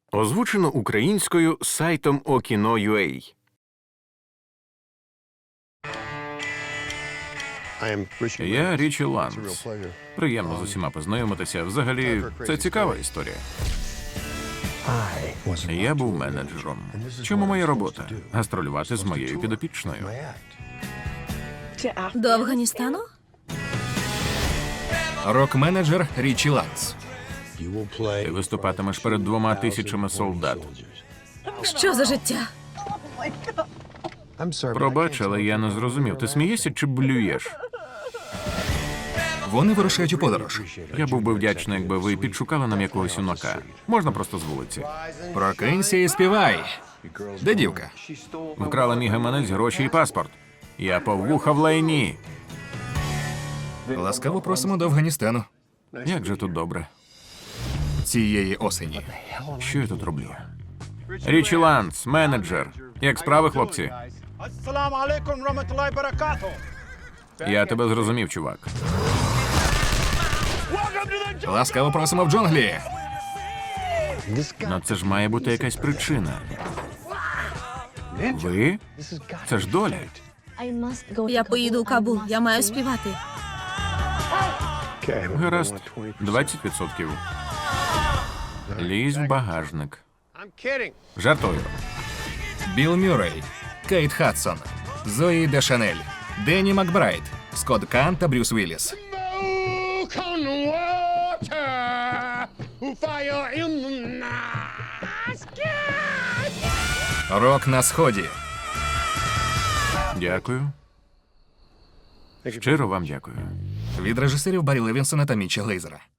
Озвучено українською сайтом Okino.ua. Я Річі Ланс. Приємно з усіма познайомитися. Взагалі, це цікава історія. Я був менеджером. Чому моя робота? Гастролювати з моєю підопічною. До Афганістану? Рок-менеджер Річі Ланс. Ти виступатимеш перед 2000 солдат. Що за життя? Пробач, але я не зрозумів. Ти смієшся чи блюєш? Вони вирушають у подорож. Я був би вдячний, якби ви підшукали нам якогось юнака. Можна просто з вулиці. Прокинься і співай. Де дівка? Вкрала мій гаманець, гроші і паспорт. Я повуха в лайні. Ласкаво просимо до Афганістану. Як же тут добре. Цієї осені. Що я тут роблю? Річі Ланс, менеджер. Як справи, хлопці? Ассаламу алейкум раматуллахи баракату. Я тебе зрозумів, чувак. Ласкаво просимо в джунглі. Ну це ж має бути якась причина. Ви? Це ж доля. Я поїду у Кабул, я маю співати. Гаразд, 20%. Лізь в багажник. I'm kidding. Жартую. Білл Мюррей, Кейт Хадсон, Зої Де Шанель, Денні Макбрайт, Скотт Кан та Брюс Вілліс. Рок на сході. Дякую. Щиро вам дякую. Від режисерів Баррі Левінсона та Мітча Глейзера.